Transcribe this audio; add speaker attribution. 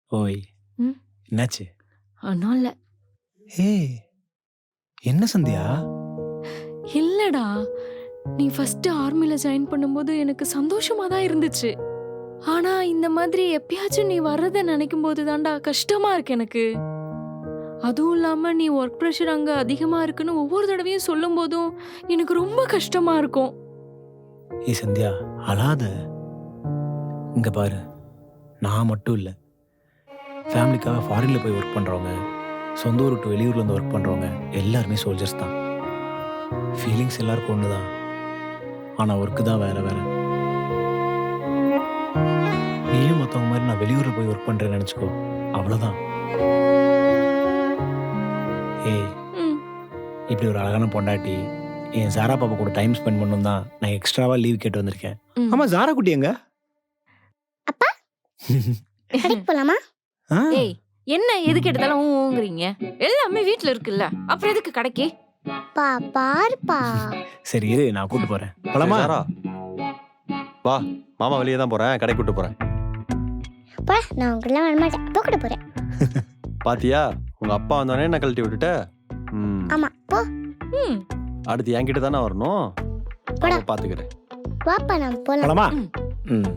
Speaker 1: ஓய்
Speaker 2: ம்
Speaker 1: என்னாச்சு?
Speaker 2: ஒன்றும் இல்லை.
Speaker 1: ஏய் என்ன சந்தியா?
Speaker 2: இல்லடா, நீ ஃபர்ஸ்ட் ஆர்மில ஜாயின் பண்ணும்போது எனக்கு சந்தோஷமா தான் இருந்துச்சு. ஆனா இந்த மாதிரி எப்பயாச்சும் நீ வர்றதை நினைக்கும் போது தான்டா கஷ்டமா இருக்கு எனக்கு. அதுவும் இல்லாம நீ ஒர்க் ப்ரெஷர் அங்க அதிகமா இருக்குன்னு ஒவ்வொரு தடவையும் சொல்லும் போதும் எனக்கு ரொம்ப கஷ்டமா இருக்கும்.
Speaker 1: ஏய் சந்தியா அழாத. இங்க பாரு, நான் மட்டும் இல்லை, ஃபேமிலிக்காக ஃபாரின்ல போய் ஒர்க் பண்ணுறவங்க, சொந்த ஊர் விட்டு வெளியூர்ல இருந்து ஒர்க் பண்ணுறவங்க எல்லாருமே சோல்ஜர்ஸ் தான். ஃபீலிங்ஸ் எல்லாருக்கும் ஒன்று தான், ஆனால் ஒர்க்கு தான் வேற வேற. நீயும் மற்றவங்க மாதிரி நான் வெளியூரில் போய் ஒர்க் பண்ணுறேன்னு நினச்சிக்கோ, அவ்வளோதான். ஏய்
Speaker 2: ம்
Speaker 1: இப்படி ஒரு அழகான பொண்டாட்டி என் சாரா பாப்பா கூட டைம் ஸ்பெண்ட் பண்ணணும் தான் நான் எக்ஸ்ட்ராவா லீவ் கேட்டு வந்திருக்கேன்.
Speaker 2: ம்.
Speaker 1: ஆமா ஜாரா குட்டி எங்க?
Speaker 3: அப்பா கடைக்கு போலாமா?
Speaker 1: ஆ,
Speaker 2: ஏய், என்ன எதுக்கு எடுத்தாலும் ஊங்குறீங்க? எல்லாமே வீட்ல இருக்குல்ல, அப்புறம் எதுக்கு கடைக்கு?
Speaker 3: பா பாருப்பா.
Speaker 1: சரி இரு, நான் கூட்டு போறேன். போலாமா?
Speaker 4: சரி, சாரா வா, மாமா வெளியே தான் போறேன், கடை கூட்டு போறேன்.
Speaker 3: அப்பா நான் உங்களெல்லாம் வரமாட்டேன், அப்பா கூட போறேன்.
Speaker 4: பாத்தியா, உங்க அப்பா வந்தோடனே என்ன கழட்டி விட்டுட்ட.
Speaker 3: ஆமா போ.
Speaker 2: ம்
Speaker 4: அடுத்து என்கிட்ட தானே வரணும்.
Speaker 3: போடா.
Speaker 4: பாத்துக்கிறேன்.
Speaker 3: வாப்பா நான் போலாம்.
Speaker 1: போலாமா?
Speaker 2: ம்.
Speaker 1: ம்